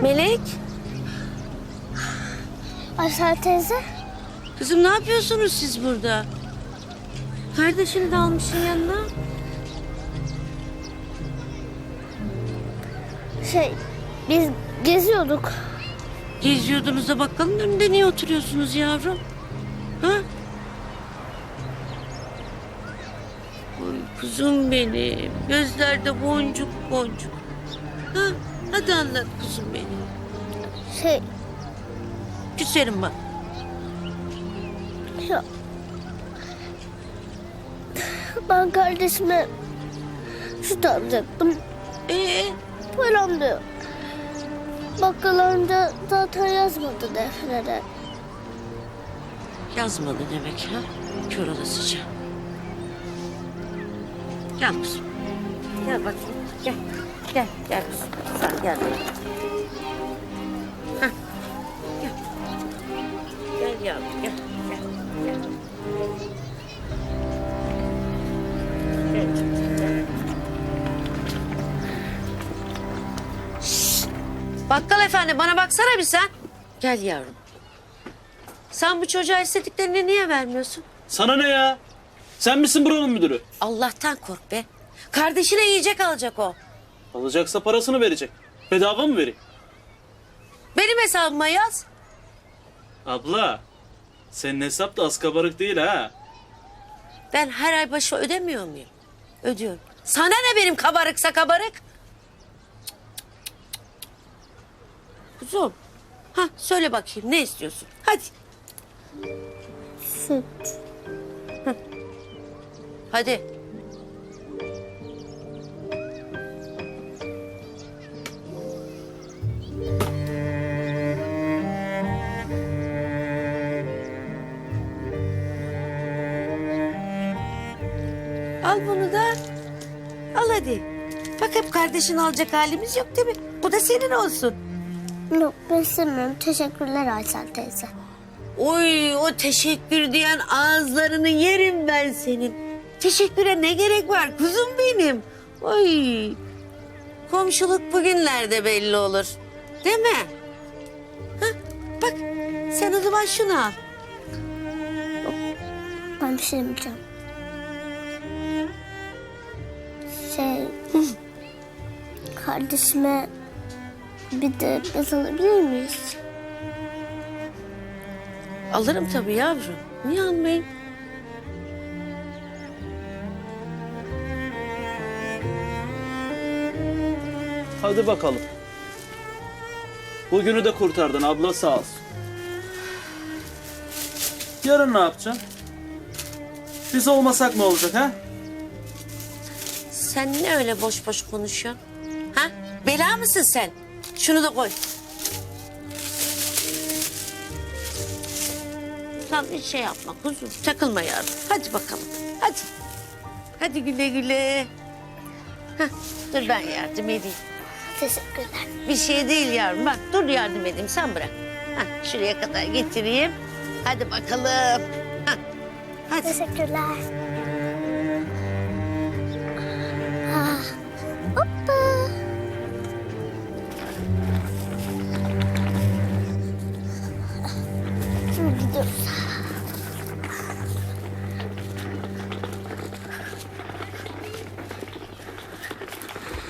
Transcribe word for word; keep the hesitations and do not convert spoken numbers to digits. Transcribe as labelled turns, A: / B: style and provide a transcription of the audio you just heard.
A: Melek.
B: Aysel teyze.
A: Kızım ne yapıyorsunuz siz burada? Kardeşini de almışsın yanına.
B: Şey, biz geziyorduk.
A: Geziyordunuz da bakkalın önünde niye oturuyorsunuz yavrum? Ha? Oy kuzum benim. Gözlerde boncuk boncuk. Ha? Hadi anlat kuzum benim.
B: Şey,
A: Küserim bak.
B: ya... Ben kardeşime süt alacaktım.
A: Ee,
B: Param da yok. Bakkal amca zaten yazmadı deftere.
A: yazmadı demek ha? Kör olasıca. Gel kuzum. Gel bakayım. Gel. Gel. Gel kuzum. Sen gel. Hah. Gel. Gel yavrum gel. Gel. Gel. Gel. Gel. Şşş! Bakkal efendi bana baksana bir sen. Gel yavrum. Sen bu çocuğa istediklerini niye vermiyorsun?
C: Sana ne ya? Sen misin buranın müdürü?
A: Allah'tan kork be. Kardeşine yiyecek alacak o.
C: Alacaksa parasını verecek. Bedava mı vereyim?
A: Benim hesabıma yaz.
C: Abla, senin hesap da az kabarık değil ha.
A: Ben her ay başı ödemiyor muyum? Ödüyorum. Sana ne benim kabarıksa kabarık? Kuzum. Ha söyle bakayım ne istiyorsun? Hadi.
B: Süt.
A: Hadi. Al bunu da. Al hadi. Bak hep kardeşin alacak halimiz yok değil mi? Bu da senin olsun.
B: Yok, ben istemiyorum. Teşekkürler Aysel teyze.
A: Oy o teşekkür diyen ağızlarını yerim ben senin. Teşekküre ne gerek var kuzum benim. Oy. Komşuluk bugünlerde belli olur. Değil mi? Hah, bak sen o zaman şunu al.
B: Ben bir şey demeyeceğim. Şey... Kardeşime bir de bez alabilir miyiz?
A: Alırım tabii yavrum. Niye almayayım?
C: Hadi bakalım. Bugünü de kurtardın abla sağ olsun. Yarın ne yapacaksın? Biz olmasak ne olacak ha?
A: Sen ne öyle boş boş konuşuyorsun? Ha? Bela mısın sen? Şunu da koy. Sen bir şey yapma kuzum. Takılma yavrum. Hadi bakalım. Hadi. Hadi güle güle. Hah, dur ben yardım edeyim.
B: Teşekkürler.
A: Bir şey değil yavrum. Bak dur yardım edeyim. Sen bırak. Hah, şuraya kadar getireyim. Hadi bakalım. Hah, hadi.
B: Teşekkürler. Ah, hoppa. Şimdi gidiyoruz.